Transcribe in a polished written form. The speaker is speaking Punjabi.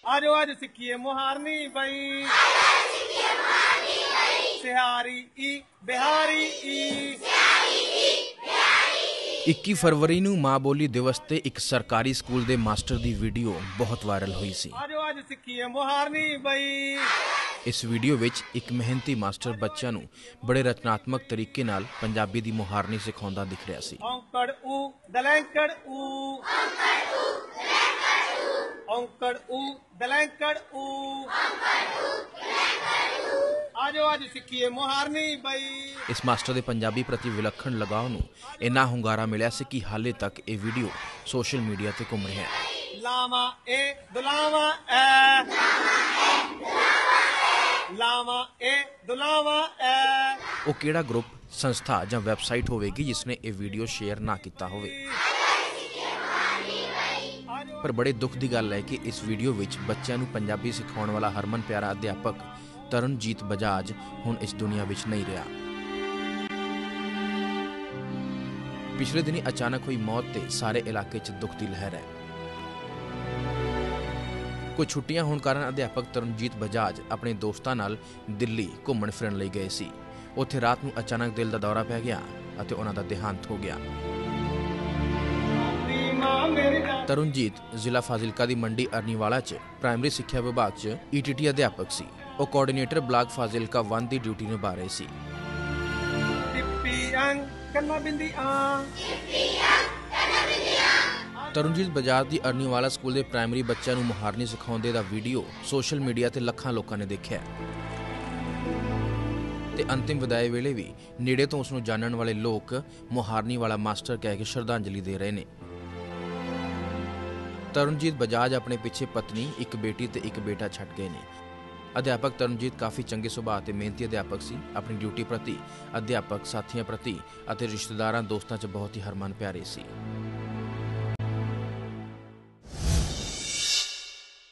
आजो आज सिक्खिए मुहारनी बई सिहारी ई बिहारी ई 21 फरवरी ਨੂੰ ਮਾਂ ਬੋਲੀ ਦਿਵਸ ਤੇ ਇੱਕ ਸਰਕਾਰੀ ਸਕੂਲ ਦੇ ਮਾਸਟਰ ਦੀ ਵੀਡੀਓ ਬਹੁਤ ਵਾਇਰਲ ਹੋਈ ਸੀ। आजो आज सिक्खिए मुहारनी बई। ਇਸ ਵੀਡੀਓ ਵਿੱਚ ਇੱਕ ਮਿਹਨਤੀ ਮਾਸਟਰ ਬੱਚਿਆਂ ਨੂੰ ਬੜੇ ਰਚਨਾਤਮਕ ਤਰੀਕੇ ਨਾਲ ਪੰਜਾਬੀ ਦੀ ਮੁਹਾਰਨੀ ਸਿਖਾਉਂਦਾ ਦਿਖ ਰਿਹਾ ਸੀ। औंकड़ ऊ दलैंकड़ ऊ औंकड़ ऊ दलैंकड़ ऊ आजो आज सिक्खिए मुहारनी बई। ਇਸ ਮਾਸਟਰ ਦੇ ਪੰਜਾਬੀ ਪ੍ਰਤੀ ਵਿਲੱਖਣ ਲਗਾਅ ਨੂੰ ਇੰਨਾ ਹੁੰਗਾਰਾ ਮਿਲਿਆ ਸੀ ਕਿ ਹਾਲੇ ਤੱਕ ਇਹ ਵੀਡੀਓ ਸੋਸ਼ਲ ਮੀਡੀਆ ਤੇ ਘੁੰਮ ਰਿਹਾ ਹੈ। लावा ए दुलावा ए लावा ए दुलावा ए। ਉਹ ਕਿਹੜਾ ਗਰੁੱਪ, ਸੰਸਥਾ ਜਾਂ ਵੈਬਸਾਈਟ ਹੋਵੇਗੀ ਜਿਸ ਨੇ ਇਹ ਵੀਡੀਓ ਸ਼ੇਅਰ ਨਾ ਕੀਤਾ ਹੋਵੇ। ਪਰ ਬੜੇ ਦੁੱਖ ਦੀ ਗੱਲ ਹੈ ਕਿ ਇਸ ਵੀਡੀਓ ਵਿੱਚ ਬੱਚਿਆਂ ਨੂੰ ਪੰਜਾਬੀ ਸਿਖਾਉਣ ਵਾਲਾ ਹਰਮਨ ਪਿਆਰਾ ਅਧਿਆਪਕ ਤਰਨਜੀਤ ਬਜਾਜ ਹੁਣ ਇਸ ਦੁਨੀਆ ਵਿੱਚ ਨਹੀਂ ਰਿਹਾ। ਪਿਛਲੇ ਦਿਨੀ ਅਚਾਨਕ ਹੋਈ ਮੌਤ ਤੇ ਸਾਰੇ ਇਲਾਕੇ 'ਚ ਦੁੱਖ ਦੀ ਲਹਿਰ ਹੈ। ਕੁਝ ਛੁੱਟੀਆਂ ਹੋਣ ਕਾਰਨ ਅਧਿਆਪਕ ਤਰਨਜੀਤ ਬਜਾਜ ਆਪਣੇ ਦੋਸਤਾਂ ਨਾਲ ਦਿੱਲੀ ਘੁੰਮਣ ਫਿਰਨ ਲਈ ਗਏ ਸੀ। ਉੱਥੇ ਰਾਤ ਨੂੰ ਅਚਾਨਕ ਦਿਲ ਦਾ ਦੌਰਾ ਪੈ ਗਿਆ ਅਤੇ ਉਹਨਾਂ ਦਾ ਦੇਹਾਂਤ ਹੋ ਗਿਆ। ਤਰਨਜੀਤ ਜ਼ਿਲ੍ਹਾ ਫਾਜ਼ਿਲਕਾ ਦੀ ਮੰਡੀ ਅਰਨੀਵਾਲਾ 'ਚ ਪ੍ਰਾਇਮਰੀ ਸਿੱਖਿਆ ਵਿਭਾਗ 'ਚ ETT ਅਧਿਆਪਕ ਸੀ। ਉਹ ਕੋਆਰਡੀਨੇਟਰ ਬਲਾਕ ਫਾਜ਼ਿਲਕਾ 1 ਦੀ ਡਿਊਟੀ ਨਿਭਾ ਰਹੇ ਸੀ। ਤਰਨਜੀਤ ਬਜਾਜ ਦੀ ਅਰਨੀਵਾਲਾ ਸਕੂਲ ਦੇ ਪ੍ਰਾਇਮਰੀ ਬੱਚਿਆਂ ਨੂੰ ਮੁਹਾਰਨੀ ਸਿਖਾਉਂਦੇ ਦਾ ਵੀਡੀਓ ਸੋਸ਼ਲ ਮੀਡੀਆ ਤੇ ਲੱਖਾਂ ਲੋਕਾਂ ਨੇ ਦੇਖਿਆ ਤੇ ਅੰਤਿਮ ਵਿਦਾਈ ਵੇਲੇ ਵੀ ਨੇੜੇ ਤੋਂ ਉਸ ਨੂੰ ਜਾਣਨ ਵਾਲੇ ਲੋਕ ਮੁਹਾਰਨੀ ਵਾਲਾ ਮਾਸਟਰ ਕਹਿ ਕੇ ਸ਼ਰਧਾਂਜਲੀ ਦੇ ਰਹੇ ਨੇ। ਤਰਨਜੀਤ ਬਜਾਜ ਆਪਣੇ ਪਿੱਛੇ ਪਤਨੀ, ਇੱਕ ਬੇਟੀ ਤੇ ਇੱਕ ਬੇਟਾ ਛੱਡ ਗਏ ਨੇ। ਅਧਿਆਪਕ ਤਰਨਜੀਤ ਕਾਫੀ ਚੰਗੇ ਸੁਭਾਅ ਤੇ ਮਿਹਨਤੀ ਅਧਿਆਪਕ ਸੀ। ਆਪਣੀ ਡਿਊਟੀ ਪ੍ਰਤੀ, ਅਧਿਆਪਕ ਸਾਥੀਆਂ ਪ੍ਰਤੀ ਅਤੇ ਰਿਸ਼ਤੇਦਾਰਾਂ ਦੋਸਤਾਂ 'ਚ ਬਹੁਤ ਹੀ ਹਰਮਨ ਪਿਆਰੇ ਸੀ।